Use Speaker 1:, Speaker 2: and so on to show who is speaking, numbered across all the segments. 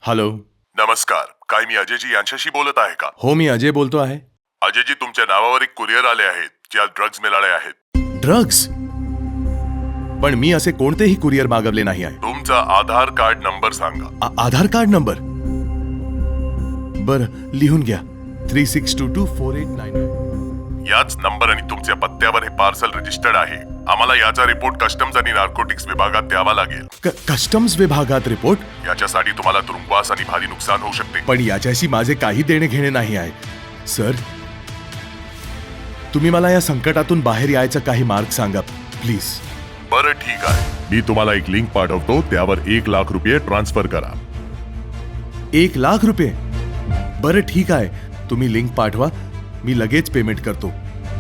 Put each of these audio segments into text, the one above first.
Speaker 1: Hello.
Speaker 2: नमस्कार, काय मी अजयजी यांच्याशी बोलत आहे का?
Speaker 1: हो, मी अजय बोलतो आहे.
Speaker 2: अजयजी, तुमच्या नावावर एक कुरिअर आले आहेत ज्यात ड्रग्ज मिळाले आहेत.
Speaker 1: ड्रग्ज? पण मी असे कोणतेही कुरिअर मागवले नाही आहे.
Speaker 2: तुमचा आधार कार्ड नंबर सांगा.
Speaker 1: Aadhaar card number? बर, लिहून घ्या. 36224899.
Speaker 2: याच नंबर आणि तुमच्या पत्त्यावर हे पार्सल रजिस्टर्ड आहे. आम्हाला याचा रिपोर्ट कस्टम्स आणि नार्कोटिक्स विभागात द्यावा लागेल.
Speaker 1: कस्टम्स विभागात रिपोर्ट?
Speaker 2: याच्यासाठी तुम्हाला तुरुंगवास आणि भारी नुकसान होऊ शकते.
Speaker 1: पण याच्याशी माझे काही देणे घेणे नाही आहे. सर, तुम्ही मला या संकटातून बाहेर यायचा काही मार्ग सांगा प्लीज.
Speaker 2: बरं, ठीक आहे. मी तुम्हाला एक लिंक पाठवतो, त्यावर 1 लाख रुपये ट्रान्सफर करा.
Speaker 1: 1 लाख रुपये? बरं, ठीक आहे. तुम्ही लिंक पाठवा, मी लगेच पेमेंट करतो.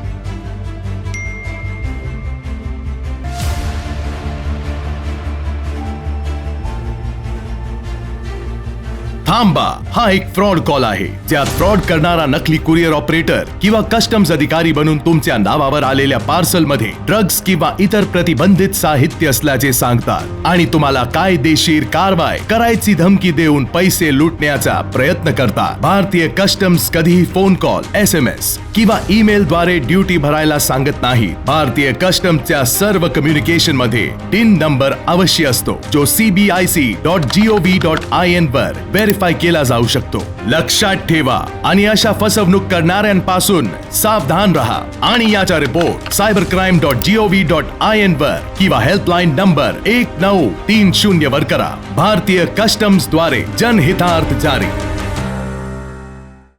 Speaker 1: थांबा, हा एक फ्रॉड कॉल आहे. ज्यात फ्रॉड करणारा नकली कुरिअर ऑपरेटर किंवा कस्टम्स अधिकारी बनून तुमच्या नावावर आलेल्या पार्सल मध्ये ड्रग्ज किंवा इतर प्रतिबंधित साहित्य असल्याचे सांगतात आणि तुम्हाला कायदेशीर कारवाई करायची धमकी देऊन पैसे लुटण्याचा प्रयत्न करतात. भारतीय कस्टम्स कधीही फोन कॉल, SMS किंवा ईमेल द्वारे ड्युटी भरायला सांगत नाही. भारतीय कस्टम्सच्या सर्व कम्युनिकेशन मध्ये टिन नंबर अवश्य असतो, जो cbic.gov.in वर व्हेरीफाय केला जाऊ शकतो. लक्षात ठेवा आणि अशा फसवणूक करणाऱ्यांपासून सावधान रहा आणि याचा रिपोर्ट cybercrime.gov.in वर किंवा हेल्पलाईन नंबर 1930 वर करा. भारतीय कस्टम्स द्वारे जनहितार्थ जारी.